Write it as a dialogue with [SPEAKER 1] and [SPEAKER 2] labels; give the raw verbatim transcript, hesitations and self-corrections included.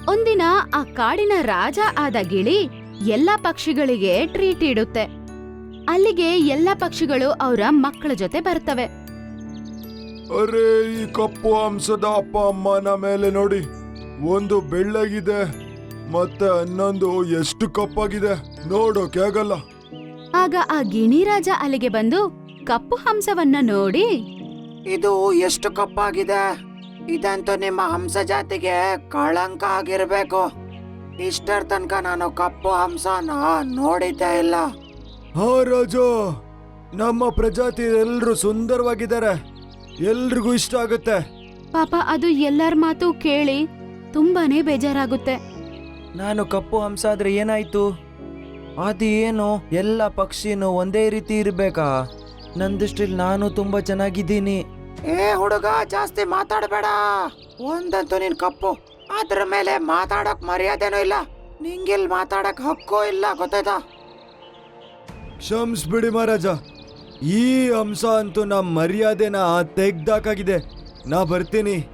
[SPEAKER 1] ಒಂದಿನ ಆ ಕಾಡಿನ ರಾಜ ಆದ ಗಿಳಿ ಎಲ್ಲಾ ಪಕ್ಷಿಗಳಿಗೆ ಟ್ರೀಟ್ ಇಡುತ್ತೆ. ಅಲ್ಲಿಗೆ ಎಲ್ಲಾ ಪಕ್ಷಿಗಳು ಅವರ ಮಕ್ಕಳ ಜೊತೆ ಬರ್ತವೆ.
[SPEAKER 2] ಅರೆ, ಈ ಕಪ್ಪು ಹಂಸದ ಅಪ್ಪ ಅಮ್ಮನ ಮೇಲೆ ನೋಡಿ, ಒಂದು ಬೆಳ್ಳಗಿದೆ ಮತ್ತೆ ಇನ್ನೊಂದು ಎಷ್ಟು ಕಪ್ಪಾಗಿದೆ ನೋಡೋಕೆ ಆಗಲ್ಲ.
[SPEAKER 1] ಆಗ ಆ ಗಿಣಿರಾಜ ಅಲ್ಲಿಗೆ ಬಂದು ಕಪ್ಪು ಹಂಸವನ್ನ ನೋಡಿ,
[SPEAKER 3] ಇದು ಎಷ್ಟು ಕಪ್ಪಾಗಿದೆ, ಇದಂತೂ ನಿಮ್ಮ ಹಂಸ ಜಾತಿಗೆ ಕಳಂಕ ಆಗಿರ್ಬೇಕು. ಇಷ್ಟರ ತನಕ ನಾನು ಕಪ್ಪು ಹಂಸನ ನೋಡಿದ್ದೇ ಇಲ್ಲ.
[SPEAKER 2] ಹಾ ರಾಜ, ನಮ್ಮ ಪ್ರಜಾತಿ ಎಲ್ರು ಸುಂದರವಾಗಿದ್ದಾರೆ, ಎಲ್ರಿಗೂ ಇಷ್ಟ ಆಗುತ್ತೆ.
[SPEAKER 1] ಪಾಪ ಅದು ಎಲ್ಲರ ಮಾತು ಕೇಳಿ ತುಂಬಾನೇ ಬೇಜಾರಾಗುತ್ತೆ.
[SPEAKER 4] ನಾನು ಕಪ್ಪು ಹಂಸ ಆದ್ರೆ ಏನಾಯ್ತು? ಅದು ಏನು, ಎಲ್ಲ ಪಕ್ಷಿನೂ ಒಂದೇ ರೀತಿ ಇರ್ಬೇಕಾ? ನನ್ನ ದೃಷ್ಟಿಲಿ ನಾನು ತುಂಬಾ ಚೆನ್ನಾಗಿದ್ದೀನಿ.
[SPEAKER 3] ಏ ಹುಡುಗ, ಜಾಸ್ತಿ ಮಾತಾಡಬೇಡ. ಒಂದಂತೂ ನೀನ್ ಕಪ್ಪು, ಅದ್ರ ಮೇಲೆ ಮಾತಾಡಕ್ ಮರ್ಯಾದೆನೂ ಇಲ್ಲ. ನಿಂಗಿಲ್ ಮಾತಾಡಕ್ ಹಕ್ಕೂ ಇಲ್ಲ, ಗೊತ್ತಾಯ್ತಾ?
[SPEAKER 2] ಕ್ಷಮಿಸ್ಬಿಡಿ ಮಹಾರಾಜ, ಈ ಹಂಸ ಅಂತೂ ನಮ್ಮ ಮರ್ಯಾದೆನ ತೆಗ್ದಾಕಾಗಿದೆ. ನಾ ಬರ್ತೀನಿ.